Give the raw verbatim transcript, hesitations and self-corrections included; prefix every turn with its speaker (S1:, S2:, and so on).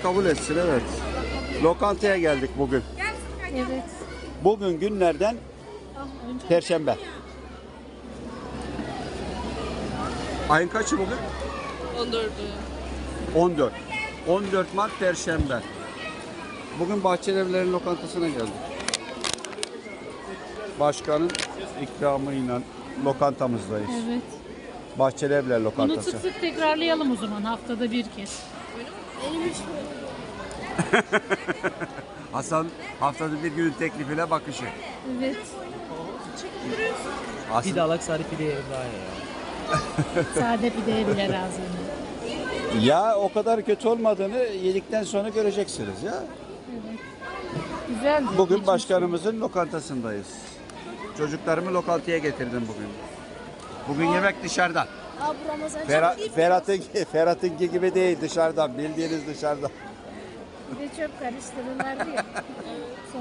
S1: kabul etsin, evet. Lokantaya geldik bugün.
S2: Evet.
S1: Bugün günlerden Perşembe. Ayın kaçı bugün?
S3: on dördü.
S1: on dört. on dört Mart Perşembe. Bugün Bahçelievlerin lokantasına geldik. Başkanın ikramıyla lokantamızdayız.
S2: Evet.
S1: Bahçelievler
S2: Bunu
S1: lokantası.
S2: sık sık tekrarlayalım o zaman haftada bir kez.
S1: Hasan haftada bir günün teklifine bakışı.
S2: Evet.
S1: Hasan,
S4: Pide alak sarı pide yerim daha iyi ya.
S2: Sade pideye bile razıyım.
S1: ya o kadar kötü olmadığını yedikten sonra göreceksiniz ya.
S2: Güzeldi.
S1: Bugün
S2: Hiç
S1: başkanımızın lokantasındayız. Çocuklarımı lokantaya getirdim bugün. Bugün yemek dışarıdan.
S5: Abi Ramazan
S1: Ferhat, Ferhat'ın Ferhat'ınki gibi değil, dışarıdan, bildiğiniz dışarıdan.
S2: Bir de çöp karıştırırlardı ya.